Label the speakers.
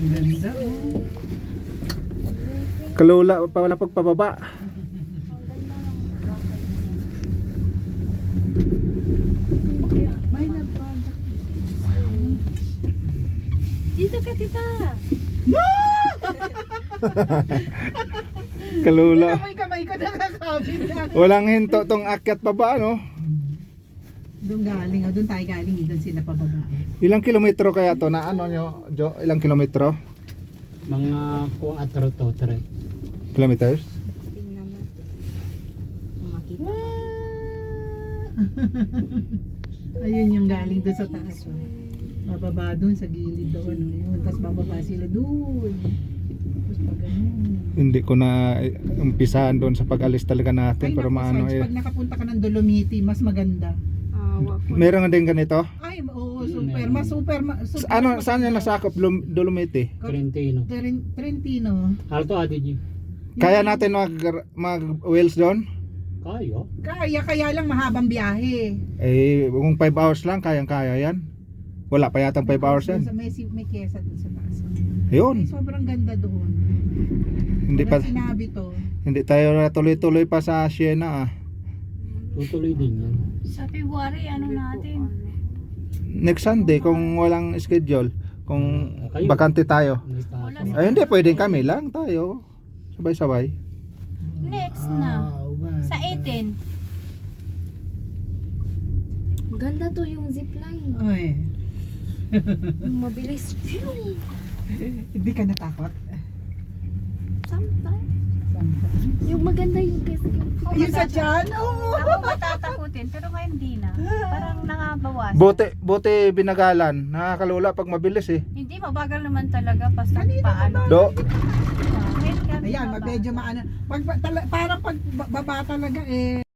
Speaker 1: Ang ganda oh.
Speaker 2: Kalula pa wala pagpababa.
Speaker 1: May nagpanda.
Speaker 3: Dito ka, tita.
Speaker 2: Kalula.
Speaker 1: Kamay ko nakakabit na.
Speaker 2: Walang hinto tong akyat baba, no?
Speaker 1: Doon galing, doon tayo galing, doon sila pababa.
Speaker 2: Ilang kilometro kaya to na ano nyo, Jo? Ilang kilometro?
Speaker 4: Mga 4 to 3.
Speaker 2: Kilometers?
Speaker 3: Tingnan mo. Makita.
Speaker 1: Ayun yung galing doon sa taas. Oh. Bababa doon sa gilid doon. Yun. Tapos bababa sila doon. Tapos pag ganun.
Speaker 2: Hindi ko na umpisahan doon sa pag-alis talaga natin. Pero
Speaker 1: naku,
Speaker 2: maano
Speaker 1: Sarge,
Speaker 2: eh.
Speaker 1: pag nakapunta ka ng Dolomiti, mas maganda.
Speaker 3: Wag ko.
Speaker 2: Meron din ganito?
Speaker 1: Ay, oo, super. Mas super. Super
Speaker 2: Ano, saan yung nasakop? Dolomiti?
Speaker 4: Trentino.
Speaker 1: Trentino.
Speaker 4: Alto Adige.
Speaker 2: Kaya natin mag wheels doon?
Speaker 4: Kayo?
Speaker 1: Kaya lang mahabang biyahe.
Speaker 2: Eh, kung 5 hours lang, kayang-kaya yan. Wala pa yatang 5 hours yan.
Speaker 1: May kesa doon sa taas.
Speaker 2: Ayun.
Speaker 1: Ay, sobrang ganda doon.
Speaker 2: Hindi pa,
Speaker 1: Walang sinabi to.
Speaker 2: hindi tayo tuloy-tuloy pa sa Siena ah.
Speaker 4: Tutuloy din yan.
Speaker 3: Sa February, ano natin?
Speaker 2: Next Sunday kung walang schedule, kung
Speaker 4: Kayo.
Speaker 2: bakante tayo.
Speaker 4: May pasok.
Speaker 2: Ay hindi, pwedeng kami lang tayo. Sabay-sabay.
Speaker 3: Next na.
Speaker 1: Wow.
Speaker 3: Sa 18. Ganda to yung zipline.
Speaker 1: Ay,
Speaker 3: Mabilis.
Speaker 1: hindi ka natakot.
Speaker 3: Sometimes. Yung maganda yung kasi
Speaker 1: Yung sa tiyan? Oo.
Speaker 3: Ako matatakutin, pero ngayon hindi na. Parang nangabawas.
Speaker 2: Buti binagalan. Nakakalula pag mabilis eh.
Speaker 3: Hindi, mabagal naman talaga. Basta
Speaker 1: Kanina
Speaker 3: paano.
Speaker 2: Do,
Speaker 3: Ngayon kami
Speaker 1: Ayan,
Speaker 3: mabagal.
Speaker 1: medyo maano. Parang pag baba talaga eh.